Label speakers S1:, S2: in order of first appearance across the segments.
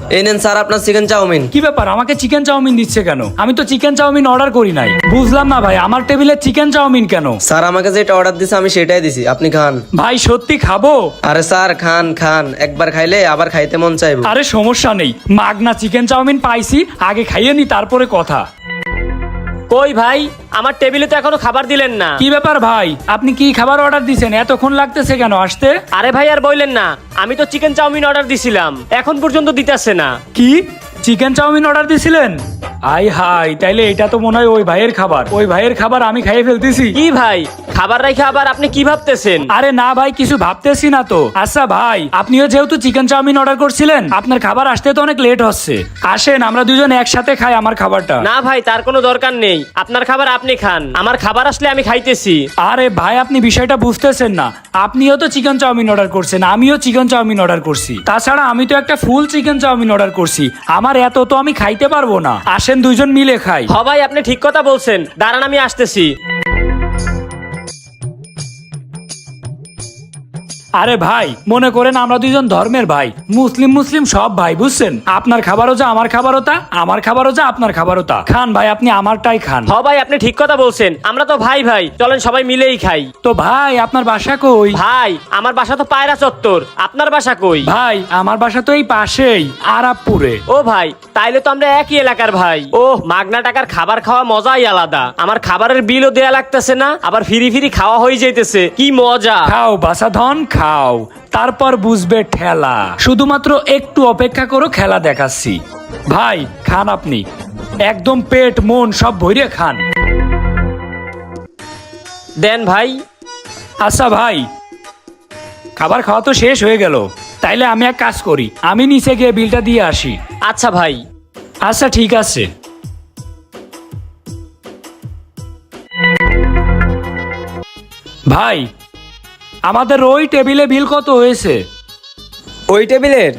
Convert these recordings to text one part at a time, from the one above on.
S1: এই নেন স্যার আপনার চিকেন চাউমিন।
S2: কি ব্যাপার, আমাকে চিকেন চাউমিন দিচ্ছে কেন? আমি তো চিকেন চাউমিন অর্ডার করি নাই। বুঝলাম না ভাই, আমার টেবিলে চিকেন চাউমিন কেন?
S1: স্যার আমাকে যেটা অর্ডার দিছে আমি সেটাই দিছি, আপনি খান।
S2: ভাই সত্যি খাবো?
S1: আরে স্যার খান খান, একবার খাইলে আবার খাইতে মন চাইবে।
S2: আরে সমস্যা নেই, মাগনা চিকেন চাউমিন পাইছি, আগে খাইয়ে নি তারপরে কথা।
S3: কই ভাই, আমার টেবিলে তো এখনো খাবার দিলেন না।
S2: কি ব্যাপার ভাই, আপনি কি খাবার অর্ডার দিছেন? এতক্ষণ লাগতেছে কেন আসতে?
S3: আরে ভাই আর বললেন না, আমি তো চিকেন চাউমিন অর্ডার দিছিলাম, এখন পর্যন্ত দিতেছে না।
S2: কি চিকেন চাউমিন অর্ডার দিছিলেন? আই হাই, তাইলে এটা তো মনে হয় ওই ভাইয়ের খাবার। ওই ভাইয়ের খাবার আমি খাইয়ে ফেলতেছি।
S3: কি ভাই, খাবার রাখে আবার আপনি কি ভাবতেছেন?
S2: আরে না ভাই, কিছু ভাবতেছি না তো। আচ্ছা ভাই, আপনিও যেহেতু চিকেন চাউমিন অর্ডার করছিলেন, আপনার খাবার আসতে তো অনেক লেট হচ্ছে। আসেন আমরা দুজন একসাথে খাই আমার খাবারটা।
S3: না ভাই, তার কোনো দরকার নেই, আপনার খাবার আপনি খান, আমার খাবার আসলে আমি খাইতেছি।
S2: আরে ভাই, আপনি বিষয়টা বুঝতেছেন না। আপনিও তো চিকেন চাউমিন অর্ডার করছেন, আমিও চিকেন চাউমিন অর্ডার করছি। তাছাড়া আমি তো একটা ফুল চিকেন চাউমিন অর্ডার করছি, আমার এত তো আমি খাইতে পারবো না। আসেন দুইজন মিলে খাই।
S3: হ ভাই, আপনি ঠিক কথা বলছেন, দাঁড়ান আমি আসতেছি।
S2: আরে ভাই, মনে করেন আমরা দুইজন ধর্মের ভাই, মুসলিম মুসলিম সব ভাই, বুঝছেন? আপনার খাবারও যা আমার খাবারও তা, আমার খাবারও যা আপনার খাবারও তা। খান ভাই, আপনি আমারটাই খান।
S3: হ ভাই, আপনি ঠিক কথা বলছেন, আমরা তো ভাই ভাই, চলেন সবাই মিলেই খাই।
S2: তো ভাই আপনার বাসা কই?
S3: ভাই আমার বাসা তো পায়রা চত্বর, আপনার বাসা কই?
S2: ভাই আমার বাসা তো এই পাশেই, আরাবপুরে।
S3: ও ভাই, তাইলে তো আমরা একই এলাকার ভাই। ও মাগনা টাকার খাবার খাওয়া মজাই আলাদা। আমার খাবারের বিলও দেয়া লাগতেছে না, আবার ফিরি ফিরি খাওয়া হয়ে যাইতেছে, কি মজা।
S2: খাও বাসাধন খাও, তারপর বুঝবে ঠেলা। শুধুমাত্র একটু অপেক্ষা করো, খেলা দেখাচ্ছি। ভাই খান আপনি, একদম পেট মন সব ভরে খান।
S3: দেন ভাই।
S2: আচ্ছা ভাই, খাবার খাওয়া তো শেষ হয়ে গেল, তাইলে আমি এক কাজ করি, আমি নিচে গিয়ে বিলটা দিয়ে আসি।
S3: আচ্ছা ভাই।
S2: আচ্ছা ঠিক আছে। ভাই আমাদের ওই টেবিলে বিল কত হয়েছে?
S4: ওই টেবিলের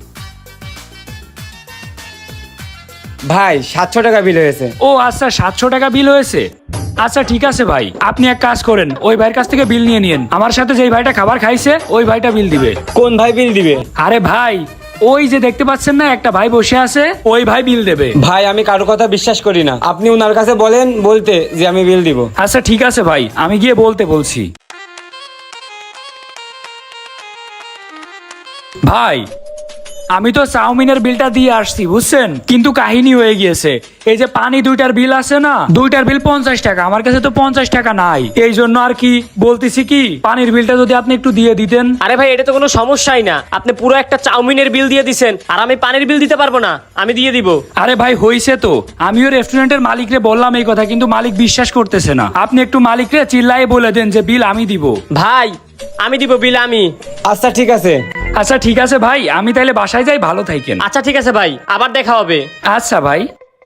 S4: ভাই 700 টাকা বিল হয়েছে।
S2: ও আচ্ছা, 700 টাকা বিল হয়েছে। আচ্ছা ঠিক আছে ভাই, আপনি এক কাজ করেন, ওই ভাইয়ের কাছ থেকে বিল নিয়ে নিন। আমার সাথে যেই ভাইটা খাবার খাইছে ওই ভাইটা বিল দিবে।
S4: কোন ভাই বিল দিবে?
S2: আরে ভাই, ওই যে দেখতে পাচ্ছেন না একটা ভাই বসে আছে, ওই ভাই বিল দেবে।
S4: ভাই আমি কারো কথা বিশ্বাস করি না, আপনি ওনার কাছে বলেন বলতে যে আমি বিল দিব।
S2: আচ্ছা ঠিক আছে ভাই, আমি গিয়ে বলতে বলছি। ভাই আমি তো চাউমিনের বিলটা দিয়ে আসছি, বুঝছেন? কিন্তু কাহিনী হয়ে গিয়েছে, এই যে পানি দুইটার বিল আছে না, দুইটার বিল 50 টাকা, আমার কাছে তো 50 টাকা নাই। এই জন্য আর কি বলতেছি, কি পানির বিলটা যদি আপনি একটু দিয়ে দিতেন।
S3: আরে ভাই, এটা তো কোনো সমস্যাই না, আপনি পুরো একটা চাউমিনের বিল দিয়ে দিছেন, আর আমি পানির বিল দিতে পারবো না, আমি দিয়ে দিব।
S2: আরে ভাই হইছে তো, আমিও রেস্টুরেন্টের মালিকরে বললাম এই কথা, কিন্তু মালিক বিশ্বাস করতেছে না। আপনি একটু মালিকরে চিল্লায়ে বলে দেন যে বিল আমি দিব।
S3: ভাই আমি দিব বিল আমি।
S4: আচ্ছা ঠিক আছে।
S2: আচ্ছা ঠিক আছে ভাই, আমি তাইলে বাসায় যাই, ভালো থাকেন।
S3: আচ্ছা ঠিক আছে ভাই, আবার দেখা হবে।
S2: আচ্ছা ভাই।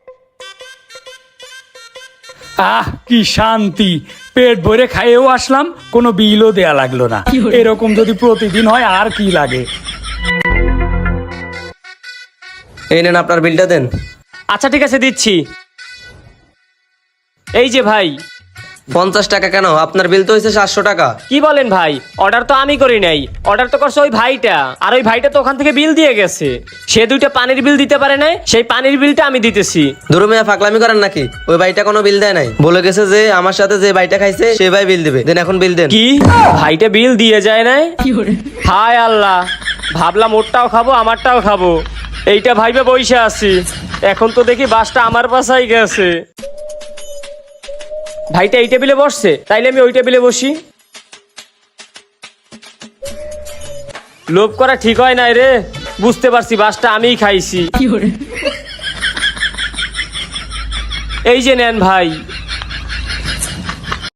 S2: আহ কি শান্তি, পেট ভরে খাইয়েও আসলাম, কোনো বিলও দেয়া লাগলো না। এরকম যদি প্রতিদিন হয় আর কি লাগে।
S1: এই নেন আপনার বিলটা দেন।
S3: আচ্ছা ঠিক আছে, দিচ্ছি। এই যে ভাই।
S1: 50 টাকা কেন? আপনার বিল তো হয়েছে 700 টাকা।
S3: কি বলেন ভাই, অর্ডার তো আমি করি নাই, অর্ডার তো করছে ওই ভাইটা, আর ওই ভাইটা তো ওখান থেকে বিল দিয়ে গেছে। সে দুইটা পানির বিল দিতে পারে নাই, সেই পানির বিলটা আমি দিতেছি।
S1: ধরো মিয়া ফাকলামি করেন নাকি? ওই ভাইটা কোনো বিল দেয় নাই, বলে গেছে যে আমার সাথে যে ভাইটা খাইছে সেই ভাই বিল দিবে। দেন এখন বিল দেন।
S3: কি ভাইটা বিল দিয়ে যায় নাই? হায় আল্লাহ, ভাবলাম ওরটাও খাবো আমারটাও খাবো, এইটা ভাইবে বইসা আছি, এখন তো দেখি বাসটা আমার পাশাই গেছে। ভাইটা এই টেবিলে বসছে, তাইলে আমি ওই টেবিলে বসি। লোভ করা ঠিক হয় নাই রে, বুঝতে পারছি বাসটা আমিই খাইছি। এই যে নেন ভাই।